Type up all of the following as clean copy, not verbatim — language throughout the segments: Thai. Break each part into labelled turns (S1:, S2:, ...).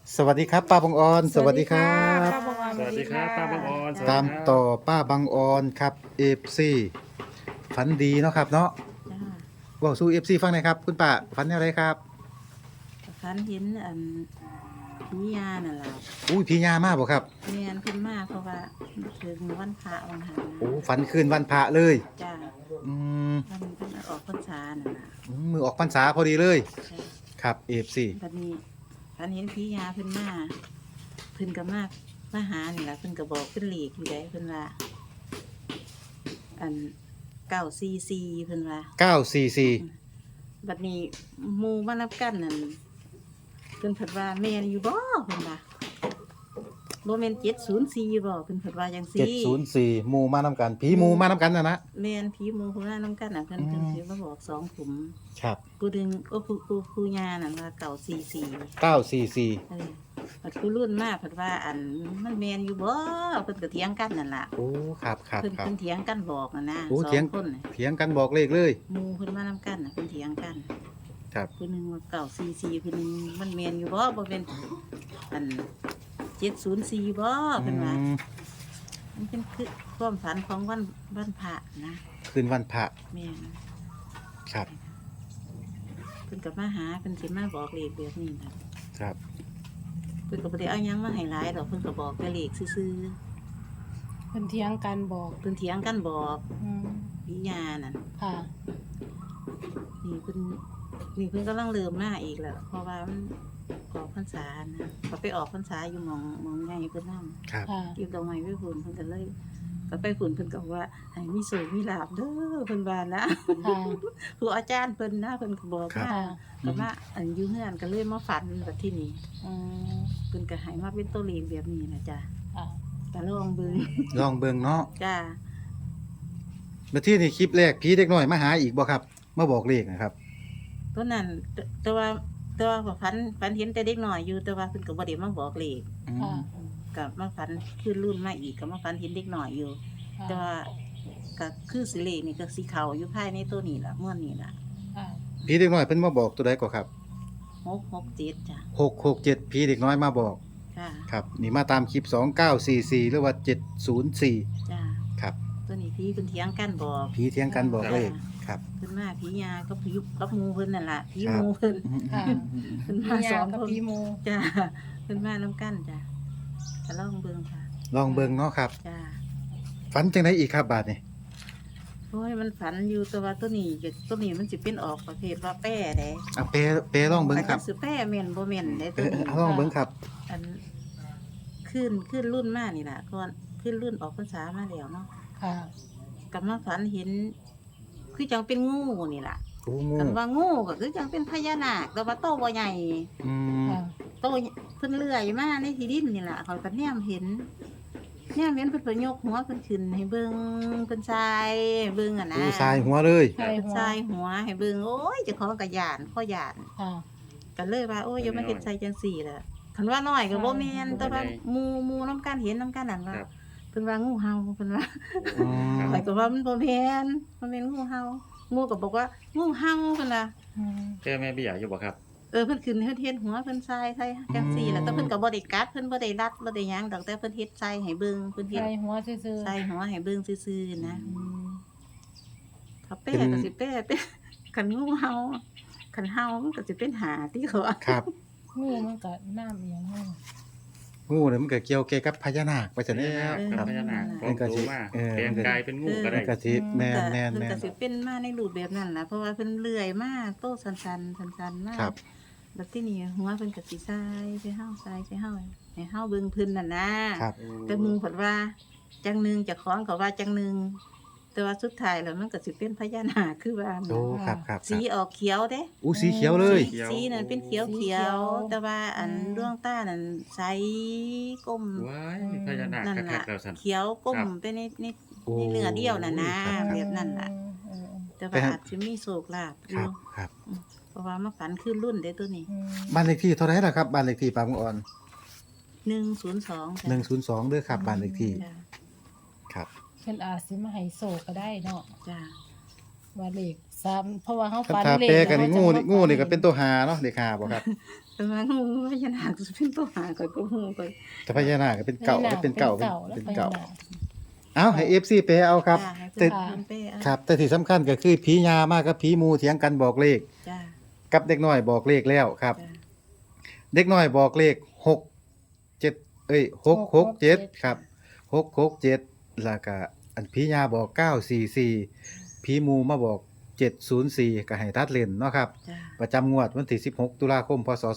S1: สวัสดีครับป้าบังออนสวัสดีครั
S2: ป้า
S1: บ
S2: บังออน
S3: สวัสดีครับป้าบังออนสวัส
S1: ตา
S3: ดี
S1: ม
S3: ครับ
S1: ต่อป้าบังออนครับเอฟซีฝันดีเนาะครับเนาะ
S2: จ้า
S1: บอกสู้เอฟซีฟังหน่อยครับคุณป้าฝันอะไรครับ
S2: ฝันเห็นผียานั่นล่ะ
S1: อุ้ยพี่ยามาบ่ครับ
S2: เมียนขึ้นมาเพราะว่าถึงวันพระวันหัน
S1: โอ้ฝันคืนวันพระเลย
S2: จ้า
S1: อืม
S2: วันเป็นออกพรรษานั่นล่ะ
S1: มือออกพรรษาพอดีเลย
S2: จ้า
S1: ครับเอฟซี
S2: บัดนี้ฝันเห็นผียาเพิ่นมาเพิ่นก็มาหานี่ล่ะเพิ่นก็บอกเพิ่นหลีกอยู่ได้เพิ่นว่าอัน944เพิ่นว่า
S1: 944
S2: บัดนี้หมู่มานับกันนั่นเพิ่นเพิ่นว่าแม่นอยู่บ่เพิ่นว่าบ่แม่น704บ่เพิ่นเพิ่นว่าจังซี่
S1: 704หมู่มานำกันผีหมู่มานำกันนะ
S2: แม่นผีหมู่ผู้นั้นนำกันน่ะเพิ่น
S1: อืม
S2: สิมาบอก2ขุม
S1: ครับ
S2: ผู้ดึงโอ้ผู้ย่านั่นว่า944
S1: 944
S2: บัดผู้รุ่นมาเพิ่นว่าอันมันแม่นอยู่บ่เพิ่นก็เถียงกันนั่นล่ะ
S1: โอ้ครับครับ
S2: เพิ่น
S1: ครับ
S2: เพิ่นเถียงกันบอกน่ะนะ
S1: โอ้
S2: สอ
S1: เถียง
S2: งคนน่ะ
S1: เถียงกันบอกเลขเลย
S2: หมู่เพิ่นมานำกันน่ะเพิ่นเถียงกัน
S1: ครับ
S2: ผู้หนึงว่า944ผู้หนึงมันแม่นอยู่บ่บ่เป็นอัน704บ่เพิ่นว่า
S1: อืม
S2: มันเป็นคือความฝันของวันพระนะ
S1: คืนวันพระ
S2: แม่น
S1: ครับ
S2: เพิ่นก็มาหาเพิ่นสิมาบอกเลขแบบนี้นะครับ เพิ่นก็บ่ได้เอาหยังมาให้หลายดอกเพิ่นก็บอกแต่เลขซื่อ
S3: เพิ่นเถียงกันบอก
S2: ๆเพิ่นเถียงกันบอก
S3: อืม
S2: วิญญาณนั่น
S3: ค่ะ
S2: นี่เพิ่นกำลังเริ่มมาอีกแล้วเพราะว่ามันออกพรรษานะก็ไปออกพรรษาอยู่หมองใหญ่เพิ่นนำ
S1: ครับ
S3: ค่ะ
S2: เก็บดอกไม้ไว้ฝุ่นเพิ่นก็เลยก็ไปฝุ่นเพิ่นก็บอกว่าให้มีโชคมีลาภเด้อเพิ่นว่านะ
S3: ค่ะ
S2: ครูอาจารย์เพิ่นนะเพิ่นก็บอก
S1: ครับ
S2: มา ก็มาอันอยู่เฮือนก็เลยมาฝันแบบที่นี่
S3: อืม
S2: เพิ่นก็ให้มาเป็นตัวเลขแบบนี้นะจ้ะ
S3: ค่ะ
S2: ก็ลองเบิ่ง
S1: ลองเบิ่งเนาะ
S2: จ้า
S1: มาที่นี่คลิปแรกผีเด็กน้อยมาหาอีกบ่ครับมาบอกเลขนะครับ
S2: ตัวนั้นแต่ว่าก็ฝันเห็นแต่เด็กน้อยอยู่แต่ว่าเพิ่นก็บ่ได้มาบอกเลข
S1: อื
S3: ค่ะ
S1: ม
S2: ก็มาฝันขึ้นรุ่นมาอีกก็มาฝันเห็นเด็กน้อยอยู่
S3: ค่ะ
S2: แต่ว่าก็คือสิเลขนี่ก็สิเข้าอยู่ภายในตัวนี้ล่ะม่วนนี้ล่ะ
S3: ค่ะ
S1: ผีเด็กน้อยเพิ่นมาบอกตัวใดก็ครับ
S2: 667จ้ะ
S1: 667ผีเด็กน้อยมาบอก
S2: จ้า
S1: ครับนี่มาตามคลิป2944หรือว่า704
S2: จ้า
S1: ครับ
S2: ตัวนี้พี่เพิ่นเถียงกันบอก
S1: ผีเถียงกันบอกเลขครับ
S2: เพิ่นมาผียาก็พยุบกับหมู่เพิ่นนั่นล่ะผี
S1: ครับ
S2: หมู่เพิ่น
S3: ค่ะ
S2: เพิ่น
S3: มี
S2: มาส
S3: ยา
S2: อง
S3: กับ
S2: คน
S3: ปีหมู
S2: จ้าเพิ่นมานํกันจ้ะก็ลองเบิ่งค่ะ
S1: ลองเบิ่งเนาะครับ
S2: จ้า
S1: ฝันจังไดอีกครับบาดนี้
S2: โอ้ยมันฝันอยู่แต่ว่าตัวนี้มันสิเป็นออกประเภทว่าแป้เด้
S1: เอาเปลองเบิ่งครับ
S2: อาจจะสิแป้แม่นบ่แม่นเด้
S1: เอ
S2: ตัว
S1: อ
S2: นี้
S1: เอาลองเบิ่งครับ
S2: อันขึ้นรุ่นมานี่ล่ะก่อนขึ้นรุ่นออกพรรษามาแล้วเนาะ
S3: ค่ะ
S2: กลับมาฝันเห็นคือจังเป็นงูนี่ล่ะ
S1: โอ้งู
S2: กันว่างูก็คือจังเป็นพญานาคแต่ว่าโตบ่ใหญ่
S1: อืม
S3: ค่ะ
S2: โตเพิ่นเลื่อยมาในที่ดินนี่ล่ะเขาก็แนมเห็นเพิ่นก็ยกหัวเพิ่นขึ้นให้เบิ่งเพิ่นทรายเบิ่งอ่ะนะ
S1: โอ้ทรายหัวเลย
S3: ใช่
S2: เพิ่น
S3: หัว
S2: ทรายหัวให้เบิ่งโอ้ยเจ้าของก็ย่านข้อย่าน
S3: ค่ะ
S2: ก็เลยว่าโอ้ยอย่ามาเฮ็ดใส่จังซี่ล่ะคันว่าน้อยก็บ่แม่นแต่ว่าหมู่นํกันเห็นนํกันนั่นว่า
S3: ครับ
S2: เพิ่นว่างูเห่าเพิ่นว่า
S1: อืม
S2: ข้อยก็ว่ามันบ่แม่นมันเป็นงูเห่างูก็บอกว่างูเห่าเพิ่นน่ะ
S3: อืม
S4: เจอแม่เบี้ยอยู่บ่ครับ
S2: เพิ่นขึ้นเฮ็ดหัวเพิ่นทรายใส่จังซี่แหละแต่เพิ่นก็บ่ได้กัดเพิ่นบ่ได้รัดบ่ได้หยังดอกแต่เพิ่นเฮ็ดใส่ให้เบิ่งเพิ่นเฮ็ด
S3: ใส่หัวซื่อๆ
S2: ใส่หัวให้เบิ่งซื่อๆนะ
S3: อืม
S2: ถ้าแป้ก็สิแป้เป็นคันงูเห่าคันเห่ามันก็สิเป็นหาที่เขาว่า
S1: ครับ
S3: งูมันก็น้ำเอียงงู
S1: งูเนี่ยมันก็เกี่ยวเกี่ยวกับพญานาคไปซะแล้ว
S4: กั
S1: ครับ
S4: พญานาค
S1: มันก็
S4: ก็
S1: สิ
S4: รู้ว่า
S1: เออ
S4: แปลงกายเป็นงูก็
S1: มั
S4: ได้
S1: นก็สิแม่น
S2: แต่
S1: แม่น
S2: เพิ่น
S1: แม่
S2: ก็
S1: น
S2: สิเป็นมาในรูปแบบนั้นล่ะเพราะว่าเพิ่นเลื่อยมาโตสันๆสันๆมา
S1: ครับ
S2: แล้วที่นี่หัวเพิ่นก็สิทรายใส่เฮาทรายใส่เฮาให้เฮาเบิ่งเพิ่นน่ะนะครับ แต่หมึงเพิ่นว่าจังหนึงเจะของก็ว่าจังหนึงแต่ว่าสุดท้ายแล้วมันก็สิเป็นพญานาคคือว่า
S1: โอ้ครับครับค
S2: สี
S1: รับ
S2: ออกเขียวเด้
S1: อู้สีเขียวเลย
S2: สีนั่นเป็นเขียวเขียวแต่ว่าอันดวงตานั่นใสก้ม
S4: ว้ายพญานาค
S2: นั่น
S4: คั
S2: ล่ะ
S4: กๆแล้วสั่น
S2: เขียวก้ม
S4: ครับ
S2: ไปใน
S1: โอ้
S2: เนื้อเดียวน่ะนะ
S1: ครับ
S2: แบบนั้นล่ะ
S3: อืม
S2: แต่ว่าอาจจะมีโศกลาภอ
S1: ครั
S2: ยู่
S1: บครับ
S2: เพราะว่ามาฝันขึ้นรุ่นเด้ตัวนี้
S3: อืม
S1: บ้านเลขที่เท่าไหร่ล่ะครับบ้านเลขที่ปางอ่อน
S2: 102จ้ะ
S1: 102เด้อครับบ้านเลขที่
S2: จ้ะ
S1: ครับ
S3: เพิ่นอาจสิมาให้โศกก็ได้เนาะ
S2: จ้ะ
S3: ว่าเลข3เพราะว่าเฮา
S1: คัน
S3: ฝัน
S1: ถ้า
S3: เลข
S1: แปลกันนี่
S3: แล้ว
S1: งู
S3: เฮาจะมา
S1: นี่ก็เป็นตัวหาเนาะเลขหาบ่ครับ
S2: แต่ว่างูพญานาคเป็นตัวหาก็ฮู้ก็
S1: แต่พญานาคก็เป็นเก่าเป็นเก่าเป็นเก่า
S3: แล้ว
S1: เอาให้ FC แปลเอาครับ
S2: จ้าให้
S1: แต่
S2: เพิ่นเป้เอา
S1: ครับ แต่ที่สำคัญก็คือผียามากับผีหมู่เถียงกันบอกเลข
S2: จ้า
S1: กับเด็กน้อยบอกเลขแล้วครับ
S2: จ้า
S1: เด็กน้อยบอกเลข667ครับ667แล้วก็อันผียาบอก944ผีหมู่มาบอก704ก็ให้ตัดเล่นเนาะครับ
S2: จ้า
S1: ประจำงวดวันที่16ตุลาคมพศ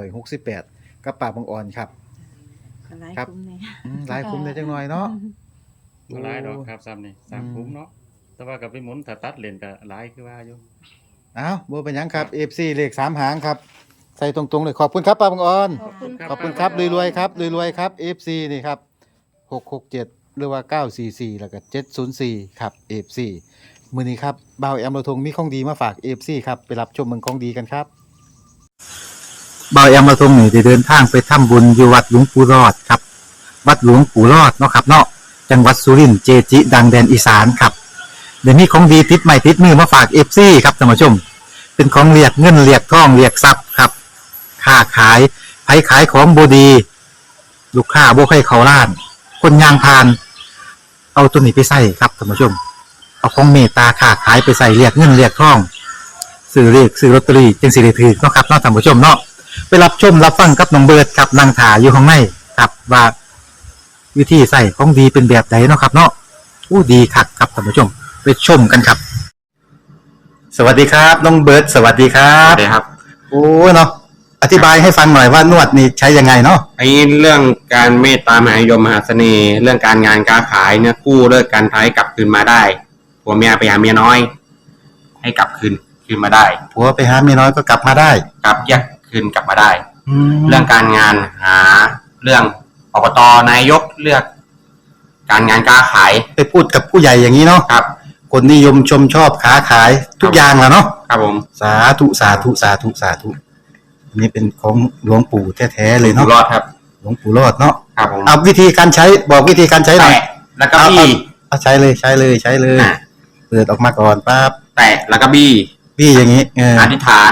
S1: 2568กับป่าบางอ่อนครับ
S2: ก็หลาย
S1: ครับ
S2: คุ้มนี่
S1: หลายคุ้มได้จังหน่อยเนาะ
S4: บ่หลายดอกครับซ้ำนี่สามคุ้มเนาะแต่ว่าก็ไปหมุนถ้าตัดเลนก็หลายคือว่าอยู่
S1: เอ้าบ่เป็นหยังครับ FC เลข3หางครับ ใส่ตรงๆเลยขอบคุณครับป้าบางอ่อน
S3: ขอบคุณ
S1: ขอบคุณครับรวยๆครับรวยๆครับ FC นี่ครับ667หรือว่า944แล้วก็704ครับ FC มื้อนี้ครับบ่าวแอมโรทงมีของดีมาฝาก FC ครับไปรับชมเมืองของดีกันครับบ่าวแอมโรทงนี่ได้เดินทางไปทำบุญอยู่วัดหลวงปู่รอดครับวัดหลวงปู่รอดเนาะครับเนาะจังหวัดสุรินทร์เจจิดังแดนอีสานครับเดี๋ยวนี้ของดีติดใหม่ติดมือมาฝาก FC ครับท่านผู้ชมเป็นของเรียกเงินเรียกทองเรียกทรัพย์ครับค้าขายไผขายของบดี ลูกค้าบ่ใครเขาล้าน คนยางพาน เอาตัวนี้ไปใส่ครับท่านผู้ชม เอาของเมตตาค้าขายไปใส่เรียกเงินเรียกทองซื้อเลขซื้อลอตเตอรี่จึงสิได้ถือเนาะครับเนาะท่านผู้ชมเนาะไปรับชมรับฟังกับน้องเบิร์ดครับนางถาอยู่ข้างในครับว่าวิธีใส่ของดีเป็นแบบไหนเนาะครับ เนาะอู้ดีคักครับท่านผู้ชม ไปชมกันครับ สวัสดีครับน้องเบิร์ดสวัสดีครั
S5: ครับ บครับ
S1: โอ้เนาะอธิบายให้ฟังหน่อยว่านวดนี่ใช้ยังไงเนาะ
S5: ไอ้เรื่องการเมตตามหานิยมมหาเสน่ห์ เรื่องการงานการขายเนี่ยกู้เลิกการท้ายกลับคืนมาได้ผัวเมียไปหาเมียน้อย ให้กลับคืนมาได้
S1: ผัวไปหาเมียน้อยก็กลับมาได้
S5: กลับแยกคืนกลับมาได้
S1: แล้
S5: เรื่
S1: ว
S5: องการงานหาเรื่องอบตนายกเลือก การงานการขาย
S1: ไปพูดกับผู้ใหญ่อย่างนี้เนาะ
S5: ครับ
S1: คนนิยมชมชอบค้าขายทุกอย่างแหละเนาะ
S5: ครับผม
S1: สาธุสาธุสาธุสาธุอันนี้เป็นของหลวงปู่แท้ๆเลย
S5: อยู่
S1: เนาะ
S5: รอดครับ
S1: หลวงปู่รอดเนาะ
S5: ครับผม
S1: เอาวิธีการใช้บอกวิธีการใช้หน่อย
S5: แตะแล้วก็บี้
S1: เอาใช้เลยใช้เลยใช้เลย
S5: อ่ะ
S1: เปิดออกมาก่อนปั๊บ
S5: แตะแล้วก็บี้
S1: พี่อย่างนี้เออ
S5: อธิษฐาน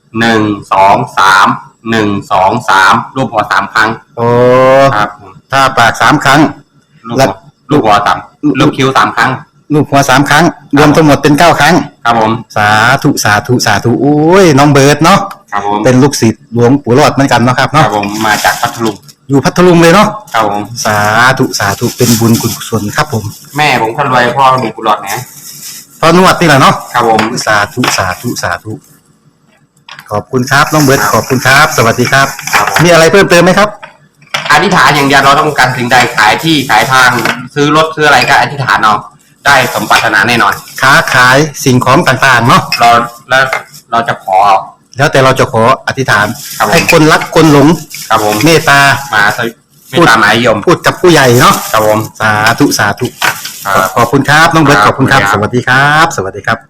S5: 1 2 3 1 2 3รูปหัว3ครั้ง
S1: โอ้
S5: ครับผม
S1: ถ้าปาก3 ครั้ง
S5: ลูกหัวลูกหัวสามลูกคิ้ว3ครั้ง
S1: ลูกหัว3 ครั้ง รวมทั้งหมดเป็น9 ครั้ง
S5: ครับผม
S1: สาธุสาธุสาธุโอ้ยน้องเบิร์ดเนาะ
S5: ครับผม
S1: เป็นลูกศิษย์หลวงปู่รอดเหมือนกันเนาะครับ
S5: ครั
S1: เนาะ
S5: บผมมาจากพัทลุง
S1: อยู่พัทลุงเลยเนาะ
S5: ครับผม
S1: สาธุสาธุเป็นบุญกุศลครับผม
S5: แม่ผมคนรวยพ่อมีกุหลาบนะ
S1: พอนวดนี่แหละเนาะ
S5: ครับผม
S1: สาธุสาธุสาธุขอบคุณครับน้องเบิร์ดขอบคุณครับ สวัสดีครับ
S5: ครับผม
S1: มีอะไรเพิ่มเติมไหมครับ
S5: อธิษฐานอย่างเดียวเราต้องการสิ่งใดขายที่ขายทางซื้อรถซื้ออะไรก็อธิษฐานเอาได้สมปรารถนาแน่นอน
S1: ค้าขายสิ่งของต่างๆเนาะ
S5: เราจะขอ
S1: แล้วแต่เราจะขออธิษฐาน
S5: ครับผม
S1: ให้คนรักคนหลง
S5: ครับผม
S1: เมตตา
S5: มาไม่ตามหมายยม
S1: พูดกับผู้ใหญ่เนาะ
S5: ครับผม
S1: สาธุสาธุ
S5: ครับ
S1: ขอบคุณครับน้องเบิร์ต
S5: ค
S1: ข
S5: รับ
S1: อบคุณครับ
S5: ขอบ
S1: ส
S5: คุณครับ
S1: วัสดีครับ สวัสดีครับ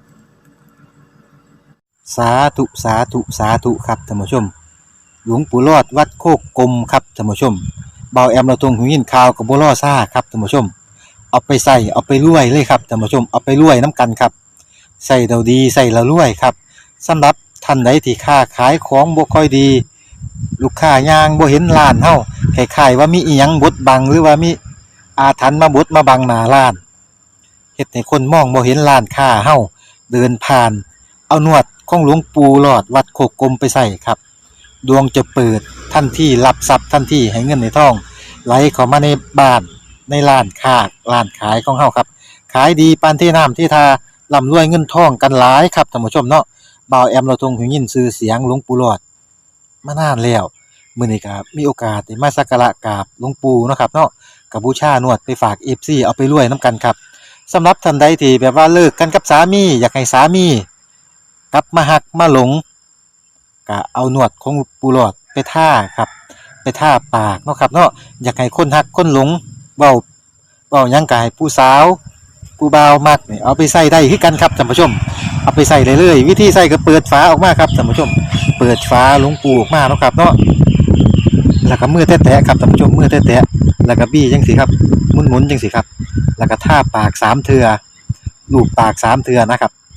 S1: สาธุสาธุสาธุครับท่านผู้ชม หลวงปู่รอดวัดโคกกลมครับท่านผู้ชมเบาแอมเราทรงหูยินข่าวกับบัวล่อซ่าครับท่านผู้ชม เอาไปใส่เอาไปรวยเลยครับท่านผู้ชมเอาไปรวยน้ำกันครับใส่เราดีใส่เรารวยครับสำหรับท่านใดที่ค้าขายของบ่ค่อยดี ลูกค้ายางบ่เห็นร้านเฮาคล้ายๆว่ามีอีหยังบดบังหรือว่ามีอาถรรพ์มาบดมาบังหน้าร้านเฮ็ดให้คนมองบ่เห็นร้านค้าเฮาเดินผ่าน เอานวดของหลวงปู่หลอดวัดโคกกลมไปใส่ครับดวงจะเปิดทันทีรับทรัพย์ทันทีให้เงินในท้องไหลเข้ามาในบ้านในร้านค้าร้านขายของเฮาครับขายดีปานที่น้ำที่ทาร่ำรวยเงินทองกันหลายครับท่านผู้ชมเนาะบ่าวแอมเราทรงหูยินชื่อเสียงหลวงปู่หลอดมานานแล้วมื้อนี้ก็มีโอกาสได้มาสักการะกราบหลวงปู่เนาะครับเนาะก็บูชานวดไปฝาก FC เอาไปรวยนํกันครับสำหรับท่านใดที่แบบว่าเลิกกันกับสามีอยากให้สามีกลับมาหักมาหลงก็เอานวดของปู่หลอดไปท่าครับไปท่าปากเนาะครับเนาะอยากให้คนหักคนหลงเว้าหยังก็ให้ผู้สาวผู้บ่าวมักนี่เอาไปใส่ได้คือกันครับท่านผู้ชมเอาไปใส่ได้เลยวิธีใส่ก็เปิดฝาออกมาครับท่านผู้ชมเปิดฝาหลวงปู่ออกมาเนาะครับเนาะแล้วก็มือแตะๆครับท่านผู้ชมมือแตะๆแล้วก็บี้จังซี่ครับหมุนๆจังซี่ครับแล้วก็ท่าปาก3เทื่อลูบปาก3เทื่อนะครับ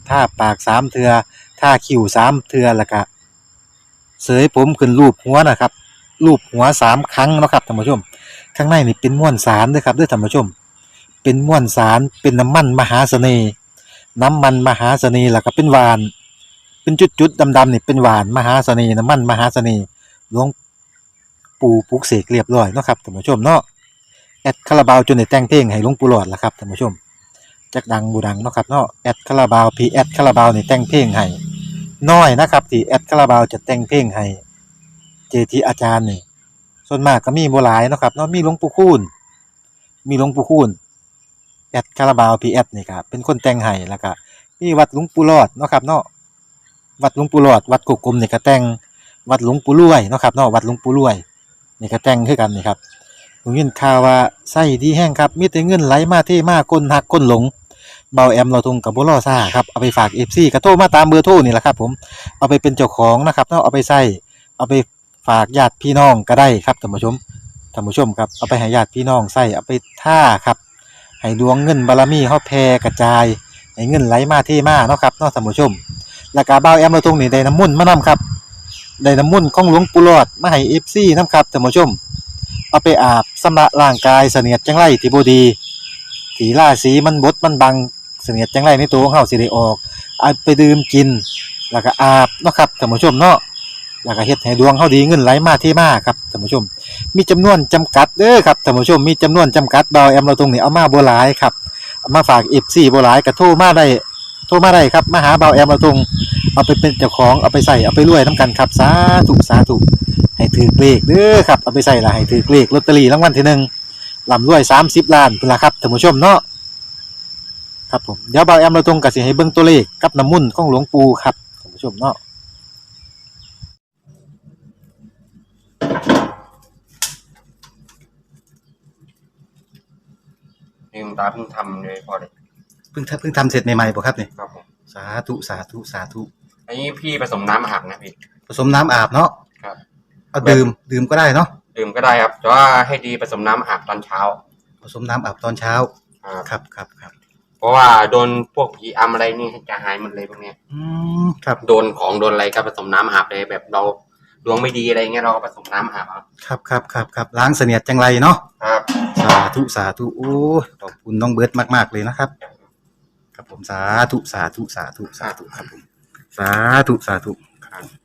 S1: ท่าปาก3เทื่อท่าคิ้ว3เทื่อแล้วก็เสยผมขึ้นรูปหัวนะครับรูปหัว3ครั้งเนาะครับท่านผู้ชมข้างในนี่เป็นม้วนสารเด้อครับเด้อท่านผู้ชมเป็นม้วนสารเป็นน้ำมันมหาเสน่ห์น้ำมันมหาเสน่ห์แล้วก็เป็นหวานเป็นจุดๆดำๆนี่เป็นหวานมหาเสน่ห์น้ำมันมหาเสน่ห์หลวงปู่ปลุกเสกเรียบร้อยเนาะครับท่านผู้ชมเนาะแอดคาราบาวจนได้แต่งเพลงให้หลวงปู่หลอดล่ะครับท่านผู้ชมจักดังบ่ดังเนาะครับเนาะแอดคาราบาวพีแอดคาราบาวนี่แต่งเพลงให้น้อยนะครับที่แอดคาราบาวจะแต่งเพลงให้เจจิอาจารย์นี่ส่วนมากก็มีบ่หลายเนาะครับเนาะมีหลวงปู่คูณแอดคาราบาวพีแอดนี่ครับเป็นคนแต่งให้แล้วก็มีวัดหลวงปู่หลอดเนาะครับเนาะวัดหลวงปู่หลอดวัดกุกกลมนี่ก็แต่งวัดหลวงปู่รวยเนาะครับเนาะวัดหลวงปู่รวยนี่ก็แต่งคือกันนี่ครับผมยินข่าวว่าไส้ดีแห้งครับมีแต่เงินไหลมาเทมาคนหักคนหลงเบาแอมเราทงกับบ่รอซ่าครับเอาไปฝาก FC ก็โทรมาตามเบอร์โทรนี่แหละครับผมเอาไปเป็นเจ้าของนะครับเนาะเอาไปใส่เอาไปฝากญาติพี่น้องก็ได้ครับท่านผู้ชมครับเอาไปให้ญาติพี่น้องใส่เอาไปท่าครับให้ดวงเงินบารมีเฮาแผ่กระจายให้เงินไหลมาเทมาเนาะครับเนาะท่านผู้ชมแล้วก็เบาแอมเราทงนี่ได้น้ำมนต์มานํครับได้น้ำมนต์ของหลวงปู่หลอดมาให้ FC นํครับท่านผู้ชมเอาไปอาบชำระร่างกายเสนียดจังไรที่บ่ดีที่ราศีมันบดมันบังเสนียดจังไรในตัวของเฮาสิได้ออกเอาไปดื่มกินแล้วก็อาบเนาะครับท่านผู้ชมเนาะแล้วก็เฮ็ดให้ดวงเฮาดีเงินไหลมาเทมาครับท่านผู้ชมมีจำนวนจำกัดเด้อครับท่านผู้ชมมีจำนวนจำกัดเบาแอมเราตรงนี้เอามาบ่หลายครับเอามาฝาก FC บ่หลายก็โทรมาได้ครับมาหาเบาแอมเราตรงเอาไปเป็นเจ้าของเอาไปใส่เอาไปรวยนํกันครับสาธุให้ถือเลขเด้อครับเอาไปใส่ละให้ถือเลขลอตเตอรี่รางวัลที่1ร่ำรวย30ล้านพุ่นล่ะครับท่านผู้ชมเนาะครับผมเดี๋ยวเบาแอมเราตรงก็สิให้เบิ่งตัวเลขกับน้ำมนต์ของหลวงปู่ครับท่านผู้ชมเนาะ
S5: นี่หลวงตาเพิ่งทำเลยพอเลย
S1: เพิ่งทำเสร็จใหม่ๆป่ะครับเนี่ย
S5: ครับผม
S1: สาธุ
S5: อันนี้พี่ผสมน้ำอาบนะพี่
S1: ผสมน้ำอาบเนาะ
S5: ครับ
S1: เอาดื่มก็ได้เนาะ
S5: ดื่มก็ได้ครับแต่ว่าให้ดีผสมน้ำอาบตอนเช้า
S1: ผสมน้ำอาบตอนเช้า ครับ
S5: เพราะว่าโดนพวกผีอำอะไรนี่จะหายหมดเลยพวกเนี้ย
S1: ครับ
S5: โดนของโดนอะไรก็ผสมน้ำอาบเลยแบบเราดวงไม่ดีอะไรเงี้ยเราก็ผสมน้ำอาบ
S1: ครับล้างเสนียดจังไรเนาะ
S5: ครับ
S1: สาธุโอ้ขอบคุณน้องเบิร์ดมากๆเลยนะครับครับผมสาธุครับผมสาธุครับ